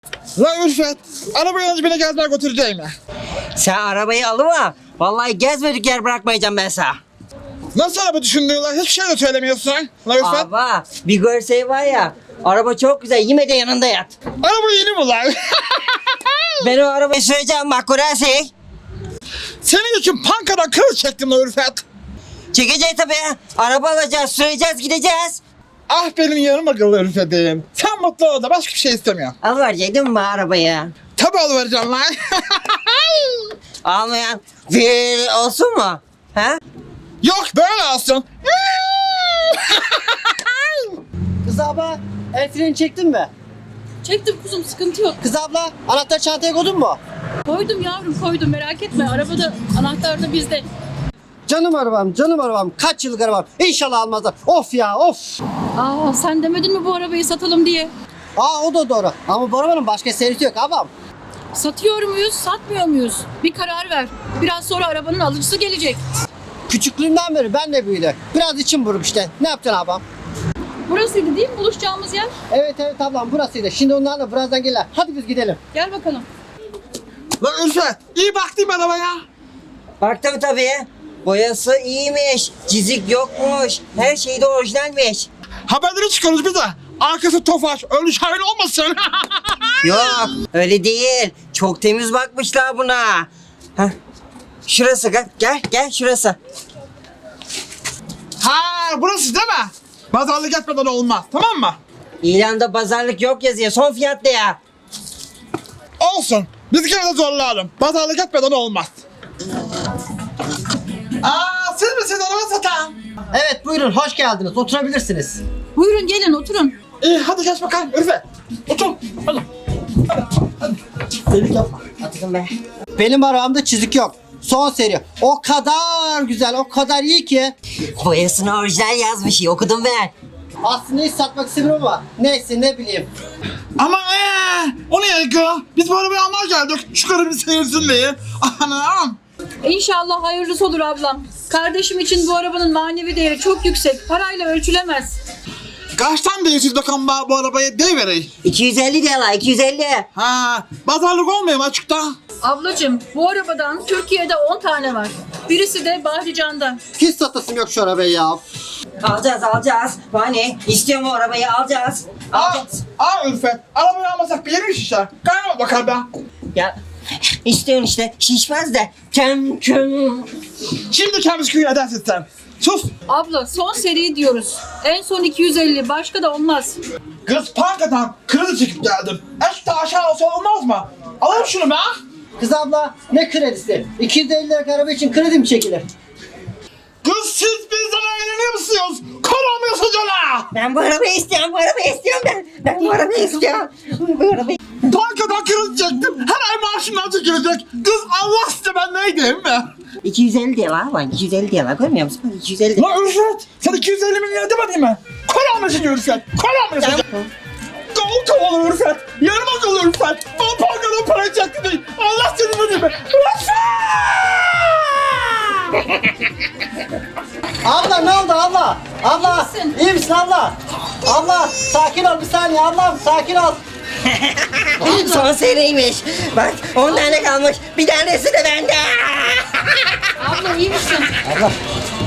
La Ülfet, arabayı önce beni gezmeye götüreceğim ya. Sen arabayı alıma. Vallahi gezmedik yer bırakmayacağım ben sana. Nasıl araba düşündüğün hiçbir şey de söylemiyorsun. La Ülfet, Aba bir görseyi var ya. Araba çok güzel. Yeme de yanında yat. araba yeni mi lan? Ben o arabayı süreceğim bak Kurasi. Senin için pankadan kırıl çektim la Ülfet. Çekeceğiz tabii. Araba alacağız, süreceğiz, gideceğiz. Ah benim yarım akıllı Ülfet'im. Sen mutlu ol da başka bir şey istemiyorum. Alıverecektin mi arabayı? Tabii alıvereceğim lan. Almayan bir olsun mu? Ha? Yok böyle olsun. Kız abla el freni çektin mi? Çektim kuzum, sıkıntı yok. Kız abla anahtar çantaya koydun mu? Koydum yavrum, koydum, merak etme. Arabada anahtar da bizde. Canım arabam. Kaç yıllık arabam. İnşallah almazlar. Of ya of. Aa, sen demedin mi bu arabayı satalım diye? Aa o da doğru. Ama bu arabanın başka serisi yok abam. Satıyor muyuz, satmıyor muyuz? Bir karar ver. Biraz sonra arabanın alıcısı gelecek. Küçüklüğümden beri ben de büyüdü. Biraz içim buruk işte. Ne yapacaksın abam? Burasıydı değil mi buluşacağımız yer? Evet ablam burasıydı. Şimdi onlarla birazdan gelirler. Hadi biz gidelim. Gel bakalım. La Ülfet, iyi baktım arabaya. Baktım tabii. Boyası iyiymiş. Çizik yokmuş. Her şey de orijinalmiş. Haberleri çıkıyoruz bir de. Arkası tofaş, öyle şahin olmasın. Yok öyle değil. Çok temiz bakmışlar buna. Heh. Şurası gel şurası. Ha, burası değil mi? Pazarlık etmeden olmaz, tamam mı? İlanda pazarlık yok yazıyor. Son fiyat de ya. Olsun. Biz gene de zorlayalım. Pazarlık etmeden olmaz. Aa, siz misiniz araba satan? Evet buyurun hoş geldiniz. Oturabilirsiniz. Buyurun gelin oturun. İyi, hadi geç bakalım Ülfet. Otur. Hadi. Delik yapma. Atın be. Benim arabamda çizik yok. Son seri. O kadar güzel, o kadar iyi ki. Boyasını orijinal yazmış. Okudum ben. Aslında hiç satmak istemiyorum ama neyse ne bileyim. Ama o ne ya? Biz bu arabayı almaya geldik. Şu karı bir seyirsin diye. Anam. İnşallah hayırlısı olur ablam. Kardeşim için bu arabanın manevi değeri çok yüksek. Parayla ölçülemez. Kaçtan değilsiz bakalım bu arabaya deyivereyim. 250 diyorlar 250. Ha, pazarlık olmuyor mu açıkta? Ablacığım bu arabadan Türkiye'de 10 tane var. Birisi de Bahrican'da. Hiç satasım yok şu arabayı ya. Alacağız. Hani istiyorum o arabayı alacağız. Alacağız. Ülfet, arabayı almasak bir yerim şişer. Kaynama bakalım be. Ya istiyorsun işte şişmez de. Kem. Şimdi kendimiz köyü edersin sen. Sus. Abla son seri diyoruz. En son 250, başka da olmaz. Kız pankadan kredi çekip geldim. Eşte aşağı olsa olmaz mı? Alayım şunu be. Kız abla ne kredisi? 250 liralık araba için kredi mi çekilir? Kız siz bizden eğleniyor musunuz? Karamıyorsunuz ona. Ben bu arabayı istiyorum ben bu arabayı istiyorum. Bu arabayı. Bankadan kredi çektim. Her ay maaşımdan çekilecek. Kız Allah size ben neydim mi? 250 diyorlar bak 250 diyorlar görmüyor musun? Bak 250. La Ülfet, sen 250 milyon demedin mi? Karamıyorsun Ülfet. Karamıyorsun. Kol kovalı Ülfet. Yarım akıllı Ülfet. Bana bankadan para çekti değil. Allah seni bu değil mi? Abla ne oldu abla? Abla İyi misin? iyi misin abla? Abla sakin ol bir saniye ablam sakin ol. Son seriymiş. Bak 10 tane kalmış. Bir tanesi de bende. Abla iyi misin? Abla